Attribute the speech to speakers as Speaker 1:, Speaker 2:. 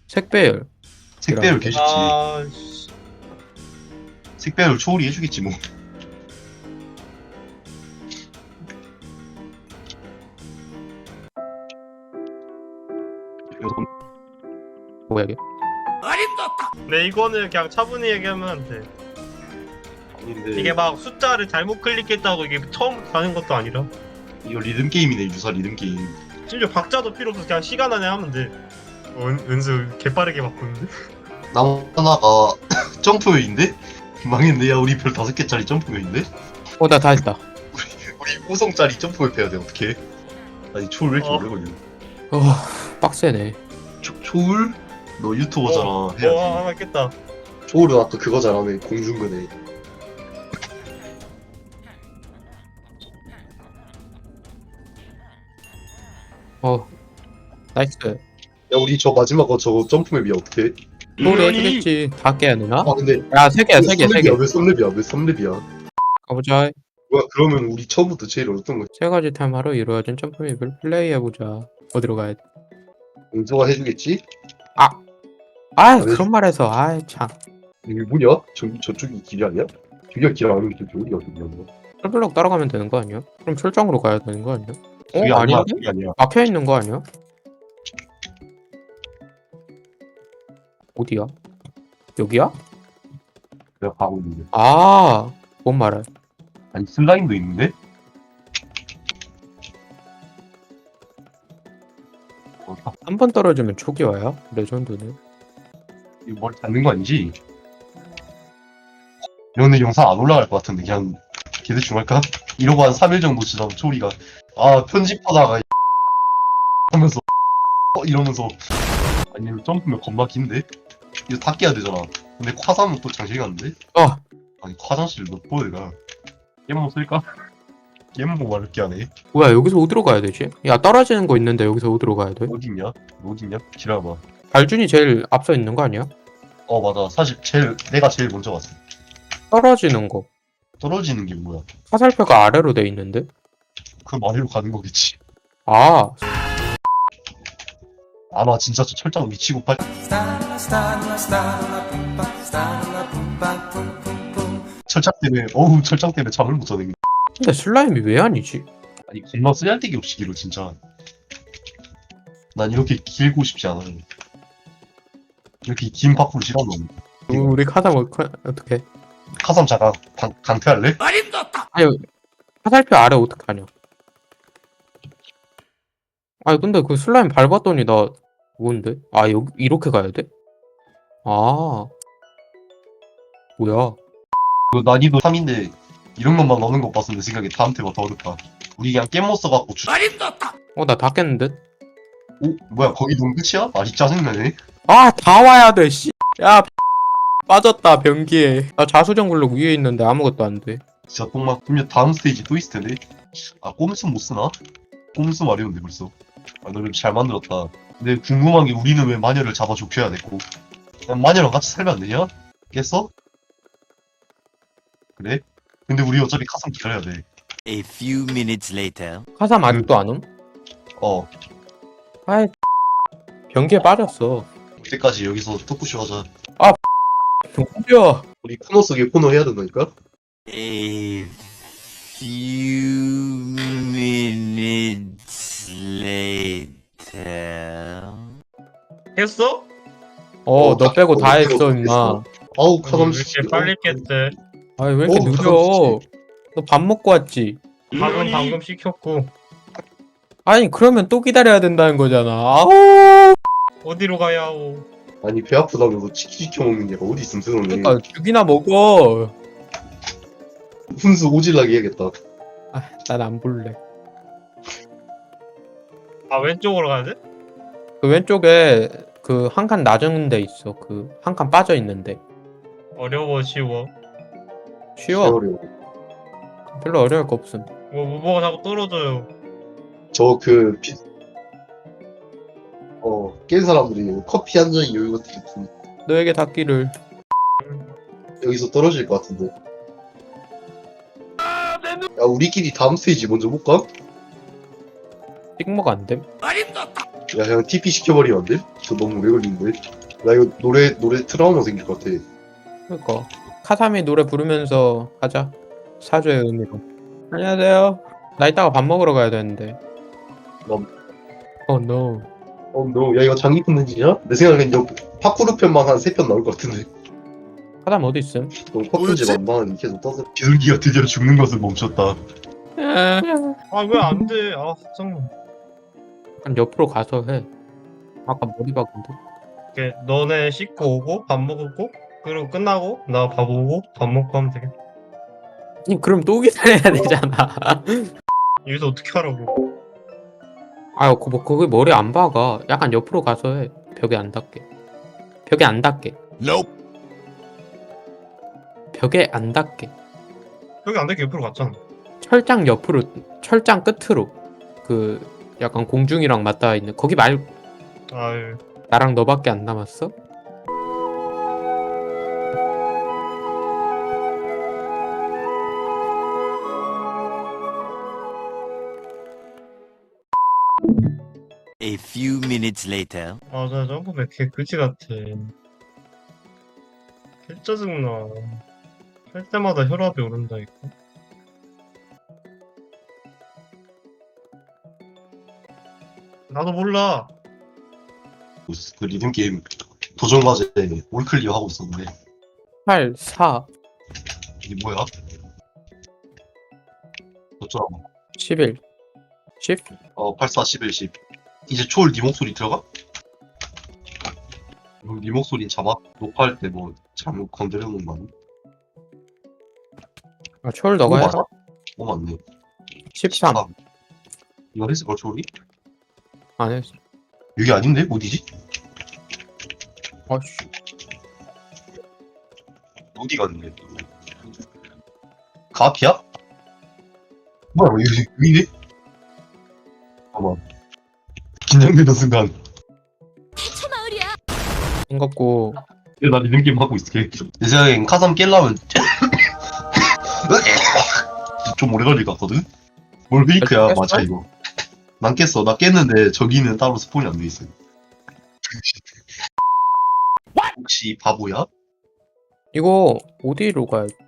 Speaker 1: 색배열.
Speaker 2: 색배율 개쉽지.
Speaker 3: 아, 씨.
Speaker 2: 색배율 초월이 해주겠지 뭐.
Speaker 1: 뭐야 이게?
Speaker 3: 네, 이거는 그냥 차분히 얘기하면 돼.
Speaker 2: 아닌데
Speaker 3: 이게 막 숫자를 잘못 클릭했다고 이게 처음 가는 것도 아니라.
Speaker 2: 이거 리듬 게임이네. 유사 리듬 게임.
Speaker 3: 심지어 박자도 필요 없어. 그냥 시간 안에 하면 돼. 은수 개빠르게 바꾸는데?
Speaker 2: 남 하나가 점프요인데? 망했네. 야 우리 별 5개짜리 점프요인데?
Speaker 1: 나 다 했다.
Speaker 2: 우리 5성짜리 점프요 패야 돼. 어떡해? 아니 초월 왜 이렇게 오래 걸려?
Speaker 1: 빡세네.
Speaker 2: 초월? 너 유튜버잖아. 해야지.
Speaker 3: 하나 깼다.
Speaker 2: 초월은 아까 그거잖아. 공중근에.
Speaker 1: 나이스.
Speaker 2: 야 우리 저 마지막 거 저거 점프맵이야. 어떡해?
Speaker 1: 소리 해주겠지. 다 깨야 되나?
Speaker 2: 아 근데
Speaker 1: 야, 3개야, 3개.
Speaker 2: 왜 3렙이야? 왜 3렙이야?
Speaker 1: 가보자.
Speaker 2: 뭐야 그러면 우리 처음부터 제일 어떤 거
Speaker 1: 세 가지 테마로 이루어진 점프맵을 플레이해보자. 어디로 가야 돼?
Speaker 2: 공조가 해주겠지?
Speaker 1: 그런 말해서. 참.
Speaker 2: 이게 뭐냐? 저쪽이 길이 아니야? 저기가 길 아니면 저기 어디가 길이야?
Speaker 1: 철블럭 따라가면 되는 거 아니야? 그럼 철장으로 가야 되는 거 아니야?
Speaker 2: 저기 아니야.
Speaker 1: 아닌데?
Speaker 2: 저기 아니야.
Speaker 1: 막혀있는 거 아니야? 어디야? 여기야?
Speaker 2: 내가 가고 있는데.
Speaker 1: 뭔 말해?
Speaker 2: 아니 슬라임도 있는데?
Speaker 1: 한 번 떨어지면 초기화야? 레전드네.
Speaker 2: 이거 머리 닿는 거 아니지? 근데 영상 안 올라갈 것 같은데 그냥 개대충 할까? 이러고 한 3일 정도 지나면 초리가 편집하다가 하면서 이러면서 아니 이거 점프면 겁나 긴데? 이거 다 깨야 되잖아. 근데 화산은 또 장실 갔는데? 아니 화장실 몇 번이가 게임 쓸까? 게임 뭐 말을 하네.
Speaker 1: 뭐야, 여기서 어디로 가야 되지? 야, 떨어지는 거 있는데 여기서 어디로 가야 돼?
Speaker 2: 어딨냐? 어딨냐? 기다려봐.
Speaker 1: 발준이 제일 앞서 있는 거 아니야?
Speaker 2: 맞아. 사실 내가 제일 먼저 왔어.
Speaker 1: 떨어지는 거.
Speaker 2: 떨어지는 게 뭐야?
Speaker 1: 화살표가 아래로 돼 있는데?
Speaker 2: 그 아래로 가는 거겠지.
Speaker 1: 아,
Speaker 2: 나 진짜 저 철장 미치고 팔. 철장 때문에 잠을 못 자는 게.
Speaker 1: 근데 슬라임이 왜 아니지?
Speaker 2: 아니 겁나 쓰잘데기 없이 길어 진짜. 난 이렇게 길고 싶지 않아. 이렇게 긴 파쿠르 싫어하는 거.
Speaker 1: 우리 카상 어떻게?
Speaker 2: 카삼 잠깐 강퇴할래?
Speaker 1: 아니, 화살표 아래 어떻게 하냐? 아니, 근데 그 슬라임 밟았더니 나 뭔데? 여기 이렇게 가야 돼? 뭐야?
Speaker 2: 그 난이도 3인데 이런 것만 넣는 거 봤어. 내 생각에 다음 테마 더 어렵다. 우리 그냥 게임 못 써갖고
Speaker 1: 나 다 깼는데?
Speaker 2: 뭐야 거기 너무 끝이야? 아니 짜증나네.
Speaker 1: 다 와야 돼, 씨. 야, 빠졌다, 변기에. 나 자수정 굴록 위에 있는데 아무것도 안 돼.
Speaker 2: 진짜 똥막. 그러면 다음 스테이지 또 있을 텐데. 꼼수 못 쓰나? 꼼수 마려운데 벌써. 너를 잘 만들었다. 근데 궁금한 게 우리는 왜 마녀를 잡아 좁혀야 됐고. 그냥 마녀랑 같이 살면 안 되냐? 깼어? 그래? 근데 우리 어차피 카상 기다려야 돼.
Speaker 4: A few minutes later.
Speaker 1: 카삼 아직도 안 옴? 아이, 변기에 빠졌어.
Speaker 2: 그때까지 여기서 토크쇼 하자.
Speaker 1: 변기야.
Speaker 2: 우리 코너 속에 코너 해야 된다니까?
Speaker 4: A few minutes later.
Speaker 3: 했어?
Speaker 1: 너 빼고 다 했어,
Speaker 2: 했어.
Speaker 1: 임마.
Speaker 2: 아우
Speaker 3: 왜
Speaker 2: 카삼
Speaker 3: 이렇게 빨리 깼대?
Speaker 1: 왜 이렇게
Speaker 2: 카삼
Speaker 1: 느려? 너 밥 먹고 왔지?
Speaker 3: 밥은 방금 시켰고.
Speaker 1: 아니, 그러면 또 기다려야 된다는 거잖아.
Speaker 3: 어디로 가야 하오?
Speaker 2: 아니 배 아프다면서 치킨 시켜 먹는 게 어디 있음 세상에.
Speaker 1: 그러니까 죽이나 먹어.
Speaker 2: 훈수 오질나게 해야겠다.
Speaker 1: 난 안 볼래.
Speaker 3: 왼쪽으로 가야 돼?
Speaker 1: 그 왼쪽에 그 한 칸 낮은 데 있어. 그 한 칸 빠져 있는데.
Speaker 3: 어려워, 쉬워?
Speaker 1: 쉬워.
Speaker 2: 어려워.
Speaker 1: 별로 어려울 거 없음.
Speaker 3: 뭐가 자꾸 떨어져요.
Speaker 2: 깬 사람들이 커피 한 잔이 여유 같은 게
Speaker 1: 너에게 닿기를.
Speaker 2: 여기서 떨어질 것 같은데. 야 우리끼리 다음 스테이지 먼저 볼까?
Speaker 1: 찍먹 안 됨?
Speaker 2: 야 그냥 TP 시켜버리면 안 돼? 저 너무 오래 걸리는데. 나 이거 노래 트라우마 생길 것 같아.
Speaker 1: 그니까 카사미 노래 부르면서 하자. 사죄의 의미로. 안녕하세요. 나 이따가 밥 먹으러 가야 되는데. 노.
Speaker 2: 너, 야 이거 장기 콘텐츠냐? 내 생각엔 이거 파쿠르 편만 한 3편 나올 것 같은데.
Speaker 1: 카사미 어디 있음?
Speaker 2: 너무 퍼즐집 안만 계속 떠서 비둘기가 드디어 죽는 것을 멈췄다.
Speaker 3: 아 왜 안 돼? 아 짜증나.
Speaker 1: 그럼 옆으로 가서 해. 아까 머리 박은데.
Speaker 3: 이렇게 너네 씻고 오고 밥 먹고 그리고 끝나고 나 밥 오고 밥 먹고 하면 되겠다.
Speaker 1: 아니, 그럼 또 기다려야 되잖아.
Speaker 3: 여기서 어떻게 하라고?
Speaker 1: 아유, 거기 머리 안 박아. 약간 옆으로 가서 해. 벽에 안 닿게. 벽에 안 닿게.
Speaker 4: Nope.
Speaker 1: 벽에 안 닿게.
Speaker 3: 여기 안 되게 옆으로 갔잖아.
Speaker 1: 철장 옆으로, 철장 끝으로. 그 약간 공중이랑 맞닿아 있는 거기 말고.
Speaker 3: 아유.
Speaker 1: 나랑 너밖에 안 남았어?
Speaker 4: A few minutes later.
Speaker 3: 나 점프맨 개 그지 같아. 개 짜증나. 할 때마다 혈압이 오른다니까. 나도 몰라.
Speaker 2: 그 리듬 게임 도전 과제 올클리어 하고 있었는데
Speaker 1: 8, 4,
Speaker 2: 이게 뭐야? 어쩌라고?
Speaker 1: 11, 10?
Speaker 2: 84, 11, 10. 이제 초월 네 목소리 들어가? 그럼 네 목소리 자막 녹화할 때 뭐 잘못 건드려 놓은 거 아니야?
Speaker 1: 아, 초월 너가 해?
Speaker 2: 맞아? 맞네.
Speaker 1: 13.
Speaker 2: 이거 했을 걸 초월이?
Speaker 1: 안 했어.
Speaker 2: 여기 아닌데? 어디지?
Speaker 1: 아씨.
Speaker 2: 어디 갔는데? 그 앞이야? 뭐야 여기네? 봐봐 긴장되는 순간
Speaker 1: 생각고
Speaker 2: 나 리듬 게임 하고 있을게. 내 생각엔 카삼 깰라면 좀 오래 걸릴 것 같거든? 뭘 페이크야
Speaker 1: 깼어?
Speaker 2: 맞아 이거. 난 깼어. 나 깼는데 저기는 따로 스폰이 안 돼 있어. 혹시 바보야?
Speaker 1: 이거 어디로 가야